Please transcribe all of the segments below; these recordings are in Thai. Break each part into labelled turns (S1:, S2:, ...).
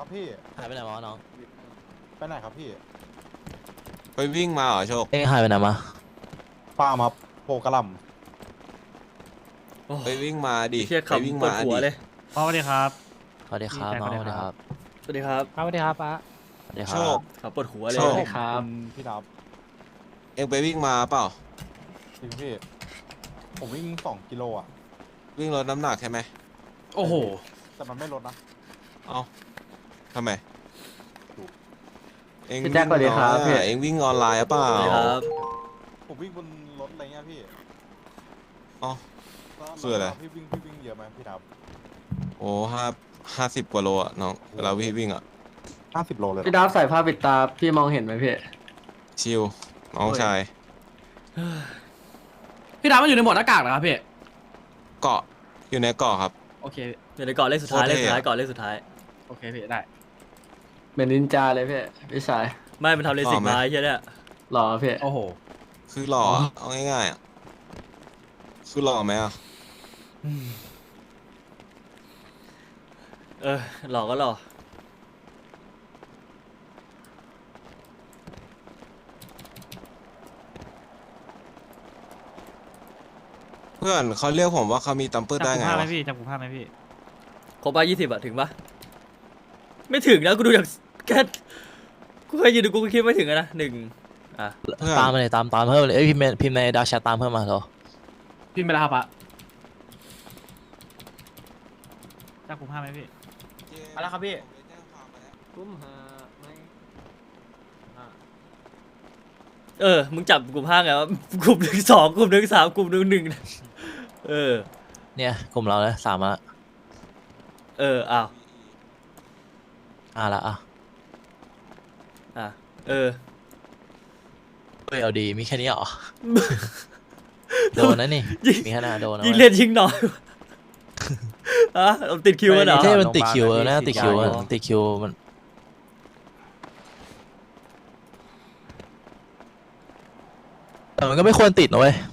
S1: ครับพี่
S2: หายไปไหนวะน้อง
S1: ไปไหนครับพี่
S3: ไปวิ่งมาเหรอโชค
S2: เอ้ยหายไปไหนมา
S1: ฟาร์มครับโพกระหล
S4: โอ้
S3: ไปวิ่งมาดิ
S4: ไอ้เชี่ย
S3: ไปวิ่ง
S4: ขำปว
S3: มา
S4: ดหัว
S3: ดิ
S4: เลย
S5: สวัสดีครับ
S2: สวัสดีครับน้องสวัสดีครับ
S4: สวัสดีครับ
S5: สวัสดีครับป้า
S2: สวัสดีค
S3: โช
S2: รับ
S3: ค
S4: ขำปวดหัวเลย
S3: โชค
S1: ครับพี่ดับ
S3: เอ็งไปวิ่งมาเปล่า
S1: จริงพี่ผมวิ่ง2 กิโลอ่ะ
S3: วิ่งลดน้ำหนักใช่ไหม
S5: โอ้โห
S1: แต่มันไม่ลดนะ
S3: เอ้าทำไมเอ็ง
S6: พี่แจ็คสวัสดีครับพี่
S3: เอ็งวิ่งออนไลน์หรือเปล่า
S4: สวัสดีครับ
S1: ผมวิ่งบนรถอะไรเงี้ยพี่
S3: อ๋อ
S1: แล้ว
S3: คืออะไร
S1: พี่วิ่งเยอะไหมพี่ดับ
S3: โอ้50 กว่าโลอะน้องเวลาวิ่งอะ
S1: 50 โลเลยเหรอ
S6: พี่ดับใส่ผ้าปิดตาพี่มองเห็นไหมพี่
S3: ชิลน้องชาย
S5: พี่ดาวมันอยู่ในโหมดหน้ากากเหรอครับพี่
S3: เกาะอยู่ในเกาะครับ
S5: โอเค
S4: เดี๋ยวในเกาะเลขสุดท้าย
S3: โค
S4: เล
S3: ตร
S4: ข
S3: เท่
S4: สุดท้าย
S3: อะ
S4: เกาะเลขสุดท้าย
S5: โอเคพี่ได้
S6: เหมือนนินจาเลยพี่พี่ชาย
S4: ไม่มันทำเลสิกมาไอ้เชี่ยเนี่ย
S6: หล่อพี่
S5: โอ้โห
S3: คือหล่ออะเอาง่ายๆอะคือหล่อไหมอะ
S4: เออหลอกก็หลอก
S3: เพื่อนเขาเรียกผมว่าเขามีตัมเปอร์ได้ไง
S5: จำกูภาพไหม
S3: วะ
S5: พี่จำกูภาพไหมพี่
S4: ครบป่ะ20อะถึงปะไม่ถึงนะกูดูจากแค่กูเคยยืนดูกูก็คิดไม่ถึงอะนะ1อ่ะ
S3: เพื่อน
S2: ตามมาเลยตามเพิ่มเลยเอ้ยพิมพ์ในดาร์กแชทตามเพิ่มมาเหรอ
S5: พี่ไม่ได้ครับอะจำกูภาพไหมพี่
S3: มาแล้วครับพี่
S6: กุ้มหาไม่
S4: เออมึงจับกลุ่ม5ไงวะกลุ่ม1 2กลุ่ม1 3กลุ่ม1 1เออ
S2: เนี่ยกลุ่มเราเลย3ละ
S4: เอออ้าว
S2: ละอ่ะ
S4: อ่ะเออ
S2: เฮ้ยเอาดีมีแค่นี้เหรอ โดนนะนี่มีแค่หน้าโดนนะ
S4: ยิ่ง
S2: เว้ย
S4: เล่นยิ่งน้อยอ่ะเอาติดคิวกันเหรอ
S2: ใช่มันติดคิวนะติดคิว
S4: อ๋อ
S2: ติดคิวมันแต่มันก็ไม่ควรติดนะเว้ย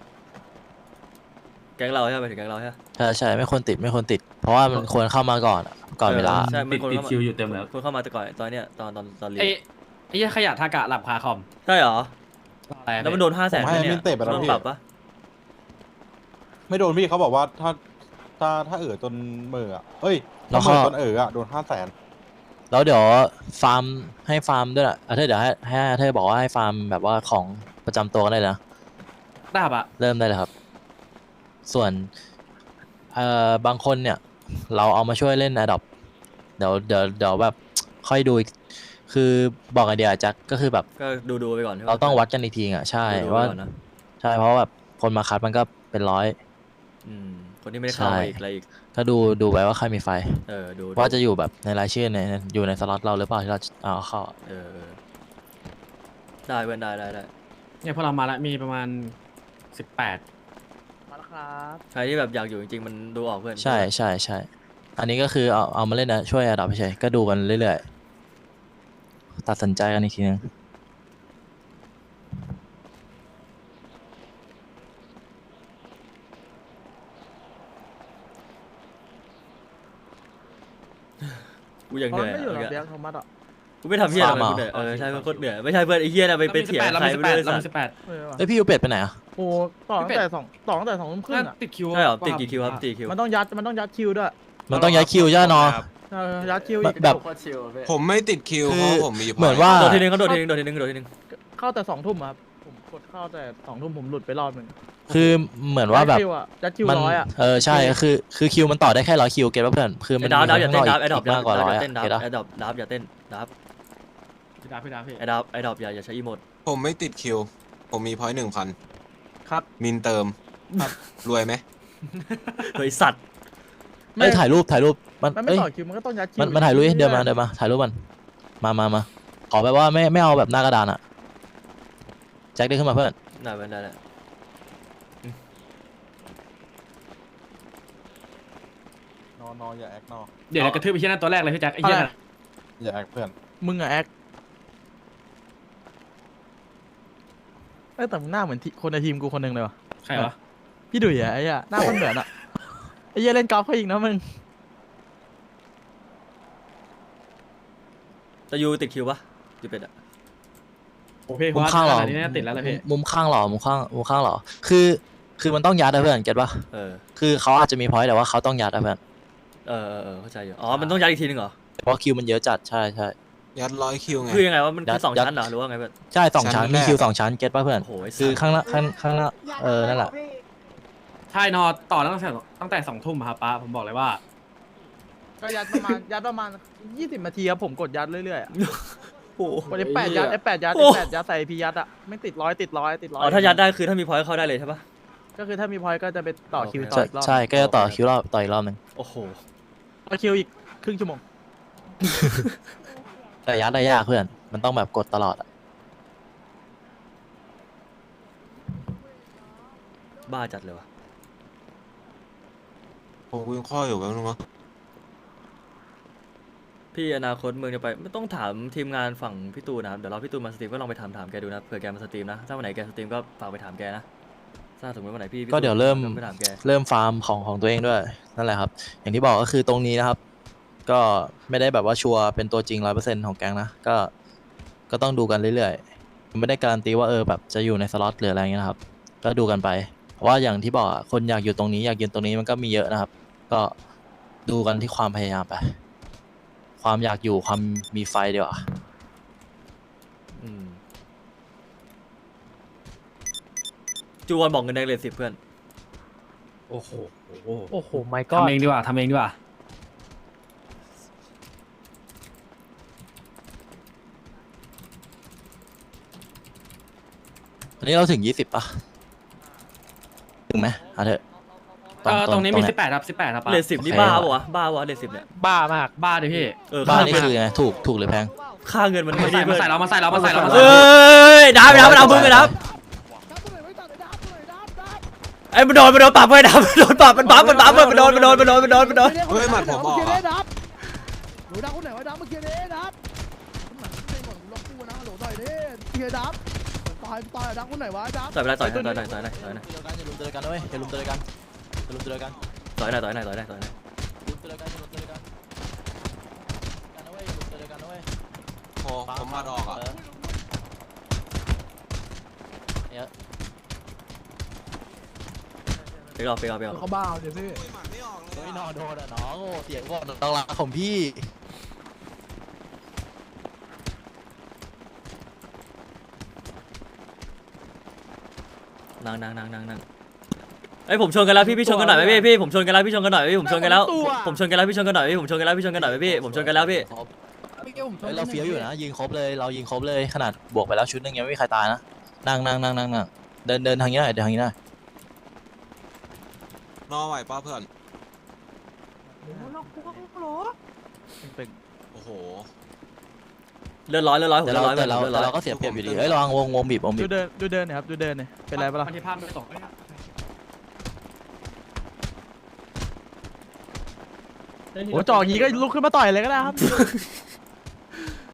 S4: แก๊งเราใช่ไหมถึงแก๊งเราใช่ไหม
S2: ใช่ไม่ควรติดเพราะว่ามันควรเข้ามาก่อนอะก่อนเวลา
S4: ใช่มันคน
S5: ติด
S4: เข้ามา
S5: คิวอยู่เต็มแล้ว
S4: คนเข้ามาแต่ก่อนตอนเนี้ยตอนเรียน
S5: ไอ้ยี่ขยะทากะหลับคาคอม
S4: ใช่เหรอ
S5: อะไรอะ
S4: แล้วมันโดน500,000
S1: ผมให้
S4: เนี่ย
S1: มินเตะไปแล้ว
S4: โดน
S1: พี่
S4: ปรับปะ
S1: ไม่โดนพี่เขาบอกว่าถ้าจนเหม่ออ่ะเอ้ย
S2: แล้ว
S1: ถ้าเห
S2: ก็
S1: ม่อจนอ่ะโดน500,000
S2: แล้วเดี๋ยวฟาร์มให้ฟาร์มด้วยล่ะเธอเดี๋ยวให้เธอบอกว่าให้ฟาร์มแบบว่าของประจำตัวกันได้เลยนะ
S5: ได้ครับอะ
S2: เริ่มได้เลยครับ ส่วนบางคนเนี่ยเราเอามาช่วยเล่น Adopt เดี๋ยวแบบค่อยดูอีกคือบอกไอเดียแจ็คก็คือแบบ
S4: ก็ดูไปก่อนใช่ปะ
S2: เราต้องวัดกันอีกทีอ่ะใช่
S4: ดูไป
S2: ว่า
S4: ก่อนนะ
S2: ใช่เพราะว่าแบบคนมาคัดมันก็เป็นร้อย
S4: คนที่ไม่ได้เข้า
S2: ใช่
S4: มาอีกอะไรอีก
S2: ก็ดูไปว่าใครมีไฟ
S4: ดู
S2: ว่าจะอยู่แบบในรายชื่ออยู่ในสล็อตเราหรือเปล่าที่เราเอาเข้า
S4: เออได้เว้นได้
S5: เนี่ยพอเรามาแล้วมีประมาณ18
S6: มาแล้วครับ
S4: ใครที่แบบอยากอยู่จริงๆมันดูออกเพื่อน
S2: ใช่อันนี้ก็คือเอามาเล่นนะช่วย Adopt เฉยๆก็ดูกันเรื่อยๆตัดสินใจกันอีกทีนึง
S4: กูยังเหนื่อย
S6: ไม่อยู่หรอ
S4: อะ
S6: เบียร์โทมัสอ่ะ
S4: กูไม่ทำเฮียอะไร
S2: ฟาร์ม
S4: กู
S2: เหรอ
S4: เหนื่อยใช่เพื่อนโคตรเหนื่อยไม่ใช่เพื่อนไอ้เฮียน่ะไปเถียงใครไม่รู้
S5: เรา
S4: ไอ้
S5: มี
S4: สัตว์
S5: 18
S2: เอ้ยพี่ยูเป็ดไปไหนอ่ะ
S7: โอ้ต่อตั้งแต่2 ทุ่มครึ่ง
S5: นั่น
S7: อ่ะ
S5: ติดคิว
S4: ใช่เหรอติดกี่คิวครับติดคิว
S7: มันต้องยัดคิวด้วย
S2: มันต้องย้ายคิวย่านอ
S7: ยัดคิว
S2: แบ
S7: อี
S2: บ
S7: ก
S2: แบบ
S6: โคตรชิลพี่
S3: ผมไม่ติดคิว
S2: คือ
S3: เพราะผมมี
S2: เหมือนว่า
S4: โดดทีนึงเขาโดดทีนึง
S7: เข้าแต่2 ทุ่มอะครับผมกดเข้าแต่2 ทุ่มผมหลุดไปรอบหนึ่ง
S2: คือเหมือนว่าแบบ
S7: ยัดคิว
S2: มัน
S7: 100อ่ะ
S2: ใช่คือคิวมันต่อได้แค่100 คิวเก็ตป่ะเพื่อนคือมัน
S4: ไอ้ดาวอย่าเต้นดาว
S2: มี
S4: ไอ้ดอ
S2: ข้างนอก
S4: อย่า
S2: มากกว่าร้อย
S4: เต้นดาว
S2: เก็ตปะ
S4: ไอ้ดาวอย่าเต้นดาว
S5: พี่ดาวพี่
S4: ไอ้ดาวอย่าใช้อีโมด
S3: ผมไม่ติดคิว ผมมีพอยต์1,000
S7: ครับ
S3: มินเติมรวยไหม
S4: เฮ้ยสัตว์
S2: เอ้ยถ่ายรูปมัน
S7: มันไม่
S2: เอ้ย
S7: ต่อคิวมันก็ต้องยัดคิว
S2: มันถ่ายรูปเดินมาถ่ายรูปมันมาขอแบบว่าไม่เอาแบบหน้ากระดานอ่ะแจ็คเดินขึ้นมาเพื่อน
S4: ได้
S1: นออย่าแอค
S5: เดี๋ยวเรากระทืบไปที่นั่นตัวแรกเลยพี่แจ็คไอ้เหี้ย
S1: อย่าแอคเพื่อน
S7: มึงอะแอคแต่มึงหน้าเหมือนคนในทีมกูคนหนึ่งเลยวะ
S5: ใครวะ
S7: พี่ดุยอะไอ้เหี้ยหน้ามันเหมือนอะไอ้เหี้ยเล่นกอล์ฟเขาอีกนะมึง
S4: แต่ยูติดคิวปะยูเป็ดอะ
S5: โอเค
S2: มุมข้างหรอ
S5: ขนาดนี้น่าติดแล้วเลยพี่
S2: มุมข้างหรอมุมข้างหรอคือมันต้องยัดนะเพื่อนเก็ตปะ
S4: เออ
S2: คือเขาอาจจะมีพอยต์แต่ว่าเขาต้องยัดนะเพื่อน
S4: เข้าใจอยู่อ๋อมันต้องย้ายอีกทีนึงเหรอ
S2: เพราะคิวมันเยอะจัดใช่
S3: ยัด100 คิวไง
S4: คือยังไงว่ามันคือ
S2: ยัด
S4: สอง
S2: ยัด
S4: ชั้นเหรอหรือว่าไงเพื่อน
S2: ใช่สองชั้น
S3: ชั้น
S2: มี
S3: แรก
S2: คิว2 ชั้นเก็ตปะเพื่อน
S4: โอ้โหไอ้สัส
S2: คือข้างหน้านั่นแหละ
S5: ใช่นอนต่อตั้งแต่2 ทุ่มครับป้าผมบอกเลยว่า
S7: ก็ยัดประมาณ20 นาทีครับผมกดยัดเรื่อยๆอะ
S4: โอ้โห
S7: กดF8ยัด F8ยัด
S4: โอ้
S7: F8ยัดใส่พียัดอะไม่ติดร้อย
S4: อ๋อถ้ายัดได้คือถ้ามีพอยต์เข้าได้เลยใช่ปะ
S7: ก็คือถ้ามีพอยต์ก็จะไปต่อคิว
S4: โอเค
S7: ต่ออีกรอบ
S2: ใช่ก็จะต่อคิวต่ออีกรอบหนึง
S4: โอ้โห
S7: ต่อคิวอีกครึ่งชั่วโมง
S2: แต่ยัดได้ยากเพื่อนมันต้องแบบกดตลอดอะ
S4: บ้าจัดเลยวะ
S3: ผมคุยข้ออยู่แป๊บนึงวะ
S4: พี่อนาคตเมืองจะไปไม่ต้องถามทีมงานฝั่งพี่ตูนนะครับเดี๋ยวเราพี่ตูนมาสตรีมก็ลองไปถามแกดูนะเผื่อแกมาสตรีมนะถ้าวันไหนแกสตรีมก็ฝากไปถามแกนะถ้าสมมติวันไหนพี่
S2: ก็เดี๋ยวเริ่ม
S4: ไปถามแก
S2: เริ่มฟาร์มของตัวเองด้วยนั่นแหละครับ อย่างที่บอกก็คือตรงนี้นะครับ ก็ไม่ได้แบบว่าชัวร์เป็นตัวจริง100%ของแก๊งนะก็ต้องดูกันเรื่อยๆไม่ได้การันตีว่าแบบจะอยู่ในสล็อตหรืออะไรเงี้ยนะครับ ก็ดูกันไป เพราะว่าอย่างที่บอกอะคนอยากอยู่ตรงนี้อยากยืนตรงนี้มันก็มีเยอะนะครับ ก็ดูกันที่ความพยายามไป ความอยากอยู่ความมีไฟดีกว่า
S4: อืมจูวอนบอกเงินแดงเลย10เพื่อน
S5: โอ้โห
S7: โอ้โหไม่ก็
S5: ทำเองดีกว่าทำเองดีกว่า
S2: อันนี้เราถึง20ป่ะถึงไหมเอาเถอะ
S5: ตรงนี้มี
S2: เย
S5: 18ครับ18ครับป้า
S4: เลท10นี่
S2: โอเค
S4: บ้าปะวะบ้าวะเลท10เนี่ย
S7: บ้ามาก
S5: บ้าดิพี่
S2: บ้าน
S4: ค่า
S2: นี่
S4: เงิน
S2: คือไงถูกหรือแพง
S4: ค่าเงินมัน
S5: มา
S4: ไม่
S5: ใส่
S4: ดีเพื่อน
S5: มาใส่เรามาใส่เรามาใส่เรามา
S4: เอ้
S5: ใส่
S4: ยดับมันเอามือกันดับไอ้มันโดนปรับเว้ยดับมันโดนปรับมันบัฟมันโดน
S3: เฮ้ยหมัดผมออกเหรอ
S8: หนูดับคนไหนวะดับเมื่อกี้นี้ดับคนไหนเป็นหมดล็อกกูนะฮัลโหลต่อยดิเฮียดับต่อยดับคนไหนวะดับ
S4: ต่อยไปเลยต่อยหน่อย
S2: อย่าลืมเจอกันด้วยอย่าลืมเจอกัน
S4: ต่อยหน่อย
S2: อย่าลืมเจอกันอย่าลืมเจอกันนะเว้ยอย่าลืมเจอกันนะเว้ย
S3: โอ้ผมหมัดออกอ่ะ
S4: ไปเอา
S8: เขาบ้าเดี๋ยวพี่
S3: หมัดไม่ออกเล
S2: เฮ้
S3: ย
S2: ยนอนโดนอ่ะน้องโอ้เสียงบอกน้องรักของพี่
S4: นั่งไอ้ผมชนกันแล้วพี่ชนกันหน่อยไหมพี่ผมชนกันแล้วพี่ชนกันหน่อยพี่ผมชนกันแล้วพี่ชนกันแล้วพี่ผมชนกันแล้วพี่ผมชนกันแล้วพี่
S2: เฮ้ยเราเฟี้ยวอยู่นะยิงครบเลยเรายิงครบเลยขนาดบวกไปแล้วชุดนึงยังไม่มีใครตายนะนั่งเดินทางนี้หน่อยเดินทางนี้หน่อย
S3: นอไหวป้าเพื่อน โอ้โห
S4: เลือดร้อย
S2: แต่เราก็เสียเปรียบอยู่ดีเอ้ยระวังวงบีบ
S7: ดูเดินนะครับดูเดินเนี่ยเป็นไรปะล่ะ
S5: มันที่ภาพไม่ตก
S7: โอ้จ่ออย่างงี้ก็ลุกขึ้นมาต่อยเลยก็ได้ครับ